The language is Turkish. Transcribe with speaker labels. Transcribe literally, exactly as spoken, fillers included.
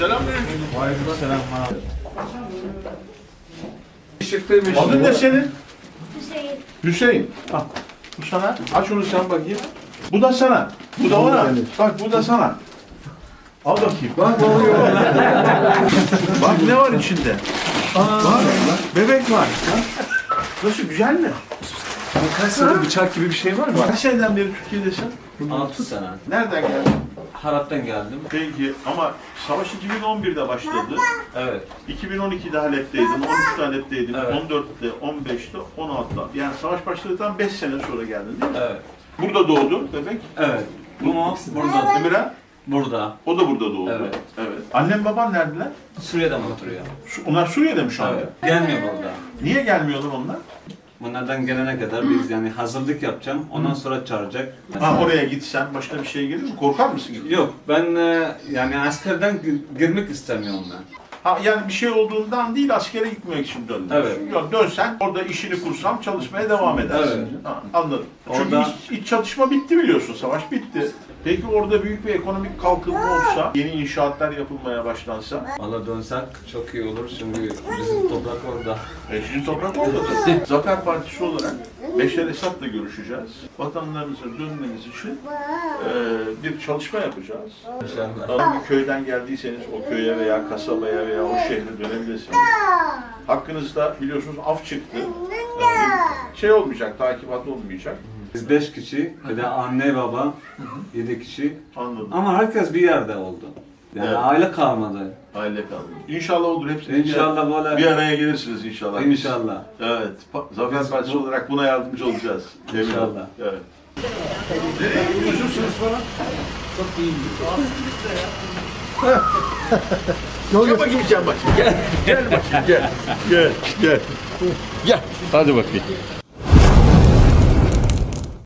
Speaker 1: Selamünaleyküm.
Speaker 2: Aleykümselam abi.
Speaker 1: Adın ne senin?
Speaker 3: Hüseyin.
Speaker 1: Hüseyin. Al. Bu sana. Aç onu sen bakayım. Bu da sana. Bu da ona. Bak bu da sana. Al bakayım. Bak ne oluyor? Bak ne var içinde? Bak bebek var. Nasıl güzel mi?
Speaker 2: Kaç sene bıçak gibi bir şey var mı?
Speaker 1: Kaç seneden beri Türkiye'desin?
Speaker 2: altı sene.
Speaker 1: Nereden geldin?
Speaker 2: Harap'tan geldim.
Speaker 1: Peki ama savaş iki bin on birde başladı.
Speaker 2: Evet.
Speaker 1: iki bin on ikide Halep'teydin, on üçte Halep'teydin,
Speaker 2: Evet.
Speaker 1: on dörtte, on beşte, on altıda. Yani savaş başladıktan beş sene sonra geldin değil mi?
Speaker 2: Evet.
Speaker 1: Burada doğdu bebek.
Speaker 2: Evet. Bu mu? Burada.
Speaker 1: Emirhan,
Speaker 2: Burada.
Speaker 1: o da burada doğdu.
Speaker 2: Evet.
Speaker 1: Evet. Annem baban neredeler?
Speaker 2: Suriye'de mi oturuyor?
Speaker 1: Su- Onlar Suriye'de mi şu anda?
Speaker 2: Evet. Gelmiyor burada.
Speaker 1: Niye gelmiyorlar onlar?
Speaker 2: Bunlardan gelene kadar biz yani hazırlık yapacağım. Ondan sonra çağıracak.
Speaker 1: Ha oraya gitsen başına bir şey gelir mi? Korkar mısın?
Speaker 2: Yok ben e, yani askerden gi- girmek istemiyorum ben.
Speaker 1: Ha yani bir şey olduğundan değil askere gitmek için döndün.
Speaker 2: Evet.
Speaker 1: Yok dönsen orada işini kursam çalışmaya devam edersin.
Speaker 2: Evet.
Speaker 1: Ha, anladım. Çünkü
Speaker 2: Orada-
Speaker 1: iç, iç çatışma bitti biliyorsun. Savaş bitti. Peki orada büyük bir ekonomik kalkınma olsa, yeni inşaatlar yapılmaya başlansa,
Speaker 2: Valla dönsek çok iyi olur çünkü bizim toprak orada.
Speaker 1: e, sizin toprak orada da. Zafer Partisi olarak Beşer Esad'la görüşeceğiz. Vatanlarınıza dönmeniz için e, bir çalışma yapacağız.
Speaker 2: İnşallah.
Speaker 1: Hangi bir köyden geldiyseniz o köye veya kasabaya veya o şehre dönebilirsiniz. Hakkınızda biliyorsunuz af çıktı. Yani şey olmayacak, takibat olmayacak.
Speaker 2: Biz beş kişi, bir de anne baba, yedi kişi.
Speaker 1: Anladım.
Speaker 2: Ama herkes bir yerde oldu. Yani
Speaker 1: Evet.
Speaker 2: aile kalmadı.
Speaker 1: Aile kaldı. İnşallah olur hepsi.
Speaker 2: İnşallah böyle.
Speaker 1: Bir araya gelirsiniz inşallah.
Speaker 2: İnşallah.
Speaker 1: Evet. Pa- Zafer Partisi olarak buna yardımcı olacağız. Emin olun.
Speaker 2: İnşallah.
Speaker 1: Evet. Nereye gidiyorsunuz falan? Gel bakayım sen bakayım. Gel. Gel bakayım gel. Gel. Gel. Gel. Hadi bakayım.